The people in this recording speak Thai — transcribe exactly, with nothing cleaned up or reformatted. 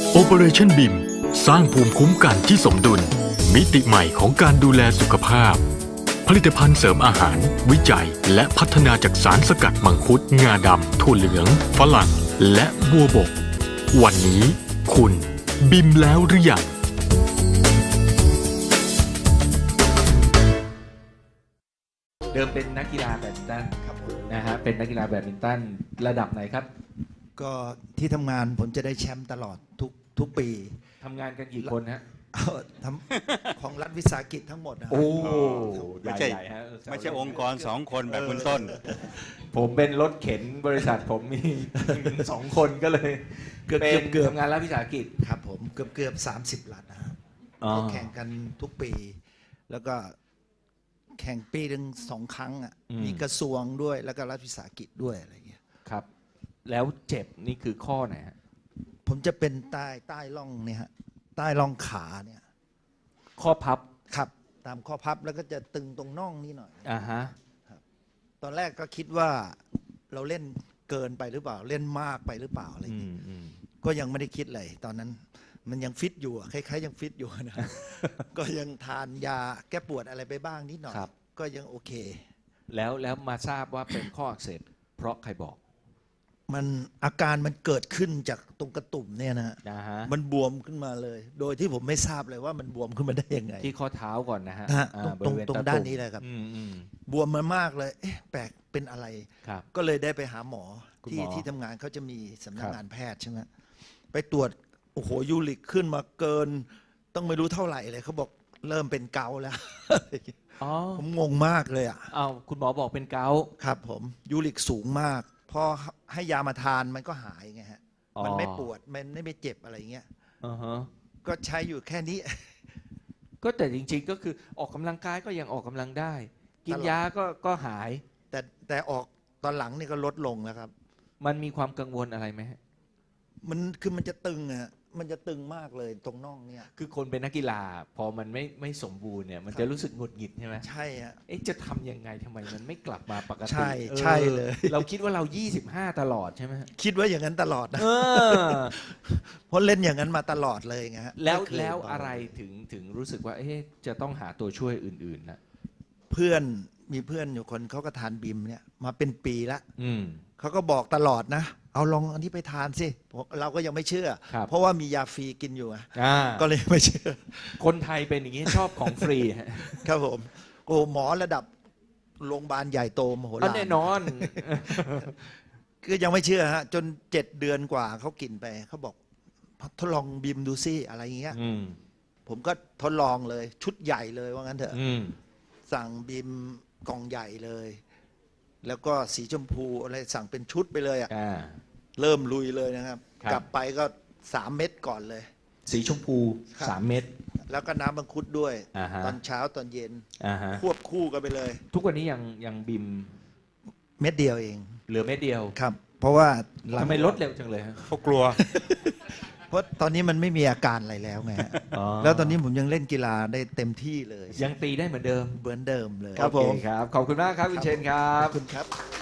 Operation บี ไอ เอ็ม สร้างภูมิคุ้มกันที่สมดุลมิติใหม่ของการดูแลสุขภาพผลิตภัณฑ์เสริมอาหารวิจัยและพัฒนาจากสารสกัดมังคุดงาดำถั่วเหลืองฝรั่งและบัวบกวันนี้คุณบิมแล้วหรือยังเดิมเป็นนักกีฬาแบดมินตันครับนะฮะเป็นนักกีฬาแบดมินตันระดับไหนครับก็ที่ทำงานผมจะได้แชมป์ตลอดทุกทุกปีทำงานกันกี่คนฮะทำของรัฐวิสาหกิจทั้งหมดนะโอ้ไม่ใช่ไม่ใช่องค์กรสองคนแบบคุณต้นผมเป็นรถเข็นบริษัทผมมีสองคนก็เลยเกือบเป็นเกือบทำงานรัฐวิสาหกิจครับผมเกือบเกือบสามสิบรัฐนะครับแข่งกันทุกปีแล้วก็แข่งปีหนึ่งสองครั้งอ่ะมีกระทรวงด้วยแล้วก็รัฐวิสาหกิจด้วยอะไรเงี้ยครับแล้วเจ็บนี่คือข้อไหนฮะผมจะเป็นใต้ใต้ร่องเนี่ยฮะใต้ร่องขาเนี่ยข้อพับครับตามข้อพับแล้วก็จะตึงตรงน่องนี่หน่อยอ่าฮะครับตอนแรกก็คิดว่าเราเล่นเกินไปหรือเปล่าเล่นมากไปหรือเปล่าอะไรอย่างเงี้ยก็ยังไม่ได้คิดเลยตอนนั้นมันยังฟิตอยู่คล้ายๆยังฟิตอยู่นะ ก็ยังทานยาแก้ปวดอะไรไปบ้างนิดหน่อยก็ยังโอเคแล้วแล้วมาทราบว่าเป็นข้ออักเสบเพราะใครบอกมันอาการมันเกิดขึ้นจากตรงกระตุ่มเนี่ยนะฮะมันบวมขึ้นมาเลย โดยที่ผมไม่ทราบเลยว่ามันบวมขึ้นมาได้ยังไงที่ข้อเท้าก่อนนะฮะตรงตรงด้านนี้เลยครับบวมมามากเลยเอ๊ะแปลกเป็นอะไรก็เลยได้ไปหาหมอที่ที่ทำงานเขาจะมีสำนักงานแพทย์ใช่ไหมไปตรวจโอ้โหยูริกขึ้นมาเกินต้องไม่รู้เท่าไหร่เลยเขาบอกเริ่มเป็นเกาแล้วผมงงมากเลยอ่ะอ้าวคุณหมอบอกเป็นเกาครับผมยูริกสูงมากพอให้ยามาทานมันก็หายไงฮะมันไม่ปวดมันไม่เจ็บอะไรเงี้ยก็ใช้อยู่แค่นี้ก็แต่จริงๆก็คือออกกำลังกายก็ยังออกกำลังได้กินยาก็ก็หายแต่แต่ออกตอนหลังนี่ก็ลดลงแล้วครับมันมีความกังวลอะไรไหมมันคือมันจะตึงอะมันจะตึงมากเลยตรงน่องเนี่ยคือคนเป็นนักกีฬาพอมันไม่ไม่สมบูรณ์เนี่ยมันจะรู้สึกหงุดหงิดใช่ไหมใช่ฮะเอ๊ะจะทำยังไงทำไมมันไม่กลับมาปกติใช่ใช่เลยเราคิดว่าเรายี่สิบห้าตลอดใช่ไหมคิดว่าอย่างนั้นตลอดนะเพราะเล่นอย่างนั้นมาตลอดเลยไงฮะแล้วแล้วอะไรถึงถึงรู้สึกว่าเอ๊ะจะต้องหาตัวช่วยอื่นๆนะเพื่อนมีเพื่อนอยู่คนเขาก็ทานบิมเนี่ยมาเป็นปีละเขาก็บอกตลอดนะเอาลองอันนี้ไปทานสิเราก็ยังไม่เชื่อเพราะว่ามียาฟรีกินอยู่ก็เลยไม่เชื่อคนไทยเป็นอย่างนี้ชอบของฟรีครับผมโอ้หมอระดับโรงพยาบาลใหญ่โตมโหฬารแน่นอนคือยังไม่เชื่อฮะจนเจ็ดเดือนกว่าเขากินไปเขาบอกทดลองบิมดูซิอะไรอย่างเงี้ยผมก็ทดลองเลยชุดใหญ่เลยว่างั้นเถอะสั่งบิมกล่องใหญ่เลยแล้วก็สีชมพูอะไรสั่งเป็นชุดไปเลยอ่ะเริ่มลุยเลยนะครับกลับไปก็สามเม็ดก่อนเลยสีชมพูสามเม็ดแล้วก็น้ำมังคุดด้วยตอนเช้าตอนเย็นควบคู่กันไปเลยทุกวันนี้ยังยังบิมเม็ดเดียวเองเหลือเม็ดเดียวครับเพราะว่าทำไมลดเร็วจังเลยฮะเขากลัวเพราะตอนนี้มันไม่มีอาการอะไรแล้วไงแล้วตอนนี้ผมยังเล่นกีฬาได้เต็มที่เลยยังตีได้เหมือนเดิมเหมือนเดิมเลยครับผมครับขอบคุณมากครับคุณเชนครับขอบคุณครับ